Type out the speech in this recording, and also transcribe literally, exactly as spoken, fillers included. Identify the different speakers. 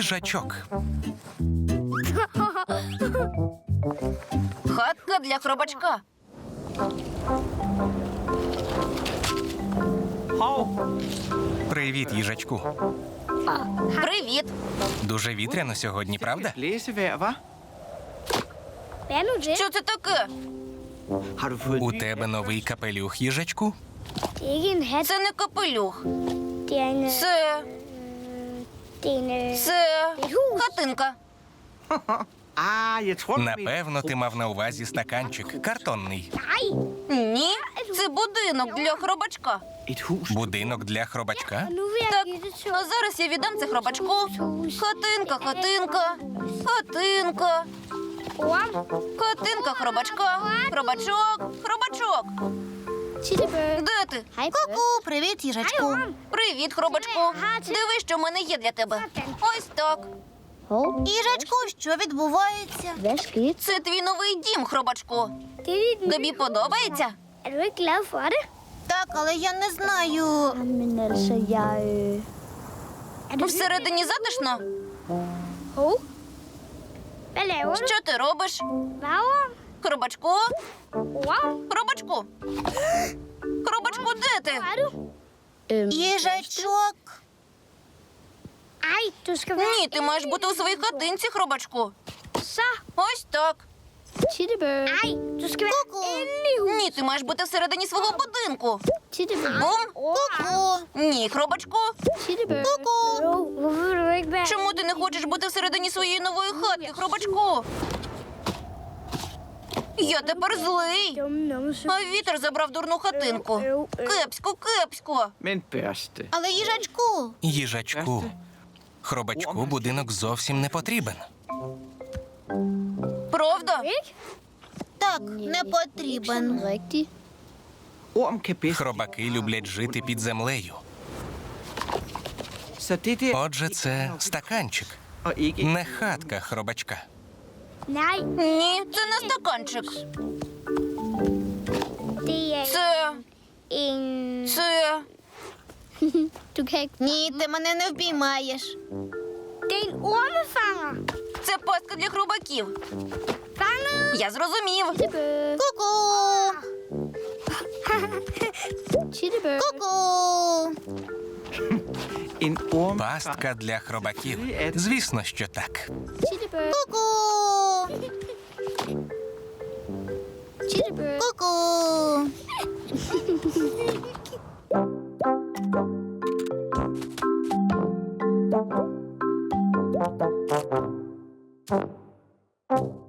Speaker 1: Їжачок.
Speaker 2: Хатка для хробачка.
Speaker 1: Привіт, їжачку.
Speaker 2: Привіт.
Speaker 1: Дуже вітряно сьогодні, правда?
Speaker 3: Blæsevejr, hva?
Speaker 4: Hvad nu det?
Speaker 2: Що це таке?
Speaker 3: Har du fået
Speaker 1: У
Speaker 3: ny
Speaker 1: тебе новий капелюх, їжачку?
Speaker 4: Det er ikke en hat.
Speaker 2: Це не капелюх.
Speaker 4: Det er en... øh,
Speaker 2: Це...
Speaker 4: Det er en... øh,
Speaker 2: це...
Speaker 4: Det er et hus.
Speaker 2: хатинка.
Speaker 3: Ah, jeg tror, du mener-
Speaker 1: Напевно, ти мав на увазі стаканчик. Картонний.
Speaker 4: Nej.
Speaker 2: Ні, це будинок для хробачка.
Speaker 3: Et hus.
Speaker 1: Будинок для хробачка?
Speaker 4: Og nu vil jeg
Speaker 2: Так,
Speaker 4: give det til...
Speaker 2: а зараз я віддам це хробачку. Хатинка, хатинка, хатинка,
Speaker 4: Orm.
Speaker 2: хатинка хробачка. Хробачок, хробачок.
Speaker 4: Tittebø.
Speaker 2: Де ти?
Speaker 4: Hej,
Speaker 2: Ку-ку, привіт, їжачку. Привіт, хробачку. Диви, що в мене є для тебе. Ось так.
Speaker 4: Hov.
Speaker 2: Їжачку, що відбувається?
Speaker 4: Hvad skete?
Speaker 2: Це твій новий дім, хробачку.
Speaker 4: Det er dit...
Speaker 2: Тобі подобається?
Speaker 4: Er du ikke glad for det?
Speaker 2: Так, але я не знаю.
Speaker 4: Jamen altså, jeg... Øh... Er du
Speaker 2: Всередині затишно?
Speaker 4: Hov. Hvad laver du?
Speaker 2: Що ти робиш?
Speaker 4: Hvad, Orm?
Speaker 2: Хробачку?
Speaker 4: Orm?
Speaker 2: Хробачку? Хробачку, де ти?
Speaker 4: Hvor er du? Øhm...
Speaker 2: Їжачок.
Speaker 4: Ej, du skal være...
Speaker 2: Ні, ти маєш бути у своїй хатинці, хробачку.
Speaker 4: Så.
Speaker 2: Ось так.
Speaker 4: Tittebø. Ej, du skal være inde i huset.
Speaker 2: Ні, ти маєш бути всередині свого будинку.
Speaker 4: Tittebø.
Speaker 2: Бум.
Speaker 4: Orm.
Speaker 2: Ні, хробачку.
Speaker 4: Tittebø.
Speaker 2: Ку-ку.
Speaker 4: Jo, hvorfor vil du ikke være...
Speaker 2: Чому ти не хочеш бути всередині своєї нової хатки, хробачку? Я тепер злий.
Speaker 4: Dumme numse.
Speaker 2: А вітер забрав дурну хатинку. Кепсько, кепсько.
Speaker 3: Men børste.
Speaker 2: Але їжачку.
Speaker 1: Їжачку. Хробачку будинок зовсім не потрібен.
Speaker 2: Правда?
Speaker 4: Ikke?
Speaker 2: Так, не потрібен.
Speaker 4: Rigtigt.
Speaker 3: Orm kan bedst.
Speaker 1: Хробаки люблять жити під землею.
Speaker 3: Så det der...
Speaker 1: Отже, це стаканчик,
Speaker 3: Og ikke...
Speaker 1: не хатка хробачка.
Speaker 4: Nej,
Speaker 2: Ні, це не стаканчик.
Speaker 4: det er
Speaker 2: Це...
Speaker 4: en...
Speaker 2: це...
Speaker 4: Du kan ikke...
Speaker 2: Ні, ти мене не впіймаєш.
Speaker 4: Det er en ormefanger.
Speaker 2: Це пастка для хробаків.
Speaker 4: Fanget.
Speaker 2: Я зрозумів.
Speaker 4: Tittebø.
Speaker 2: Ку-ку.
Speaker 4: Tittebø.
Speaker 2: Ку-ку.
Speaker 3: En orm...
Speaker 1: Пастка для хробаків. Звісно, що так.
Speaker 4: Tittebø.
Speaker 2: Ку-ку.
Speaker 4: Tittebø.
Speaker 2: Ку-ку.
Speaker 4: Tittebø.